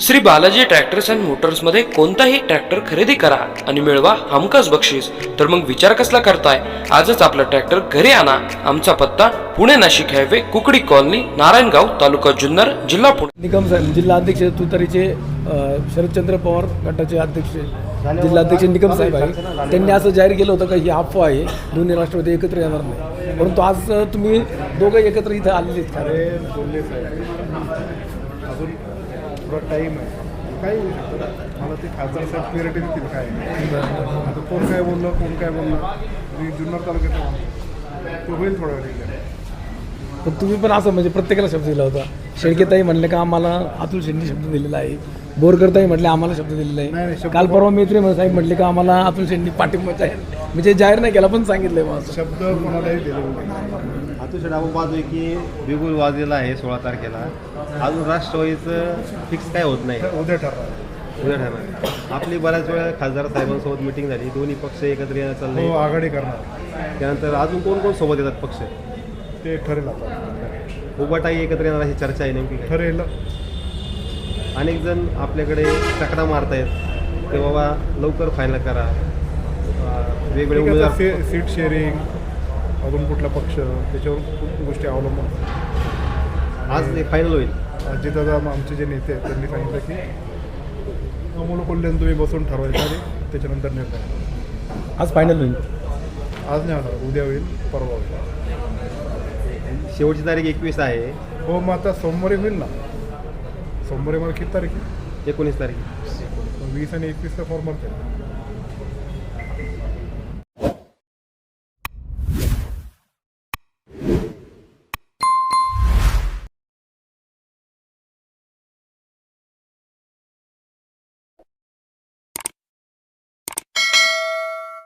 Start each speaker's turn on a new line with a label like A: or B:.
A: Shri Balaji tractors and मोटर्समध्ये कोणताही tractor खरेदी करा आणि मिळवा हमखास बक्षीस. तर मग विचार कसला करताय? आजच आपला ट्रॅक्टर घरी आणा. आमचा पत्ता पुणे नाशिक हायवे, कुकडी कॉलनी, नारायणगाव, तालुका जुन्नर, जिल्हा पुणे.
B: निकम साहेब जिल्हा अध्यक्ष तुतारीचे शरदचंद्र पवार गटाचे अध्यक्ष जिल्हा अध्यक्ष निकम साहेब आहे. त्यांनी असं जाहीर केलं होतं की ही अफवा आहे, दोन्ही राष्ट्रवादी एकत्र येणार नाही. परंतु आज तुम्ही दोघं एकत्र इथं आलेले आहेत.
C: अरे बोलले साहेब, अजून थोडा टाईम आहे, काही होऊ शकतं. मला ते खासदार साहेब क्लिअरिटी देतील काय आता कोण काय बोललं, कोण काय बोललं. मी जुन्नर तालुक्यात तो होईल थोडा वेळ.
B: पण तुम्ही पण असं म्हणजे प्रत्येकाला शब्द दिला होता. शेळकेताई म्हणले का आम्हाला अतुल शेट्टी शब्द दिलेला आहे, बोरकरताई म्हटले आम्हाला शब्द दिलेला
C: नाही,
B: आहे.
C: शब्द
B: काल परवा मैत्री साहेब म्हटले का आम्हाला अतुल शेट्टी पाठिंबा जाहीर म्हणजे जाहीर नाही केला पण सांगितलंय माझं
C: शब्द कोणालाही दिले.
D: अतुल आपण पाहतोय की बिगुल वाजलेला आहे 16 तारखेला. अजून राष्ट्रवादीचं फिक्स काय होत नाही,
C: उद्या ठरवा.
D: उद्या ठरणार. आपली बऱ्याच वेळा खासदार साहेबांसोबत मिटिंग झाली, दोन्ही पक्ष एकत्र येणं
C: हो,
D: चाललंय.
C: आघाडी करणार
D: त्यानंतर अजून कोण कोण सोबत येतात पक्ष?
C: ते ठरेल. आता
D: उभाटाही एकत्र येणार अशी चर्चा आहे. नेमकी काय?
C: ठरेल.
D: अनेक जण आपल्याकडे चकडा मारतायत ते बाबा लवकर फायनल करा. वेगवेगळे उमेदवार
C: सीट शेअरिंग, अजून कुठला पक्ष, त्याच्यावर खूप गोष्टी अवलंबून
D: आज ते फायनल होईल.
C: अजितदादा आमचे जे नेते आहेत त्यांनी सांगितलं की अमोल कोल्ह्यानं तुम्ही बसून ठरवायचं आणि त्याच्यानंतर निर्णय.
B: आज फायनल होईल.
C: आज नाही होणार, उद्या होईल, परवा होईल.
D: शेवटची तारीख 21 आहे.
C: हो, मग आता सोमवारी होईल ना. सोमवारी मला किती तारीख आहे?
D: 19 तारीख.
C: 20 आणि 21 फॉर्म भरते.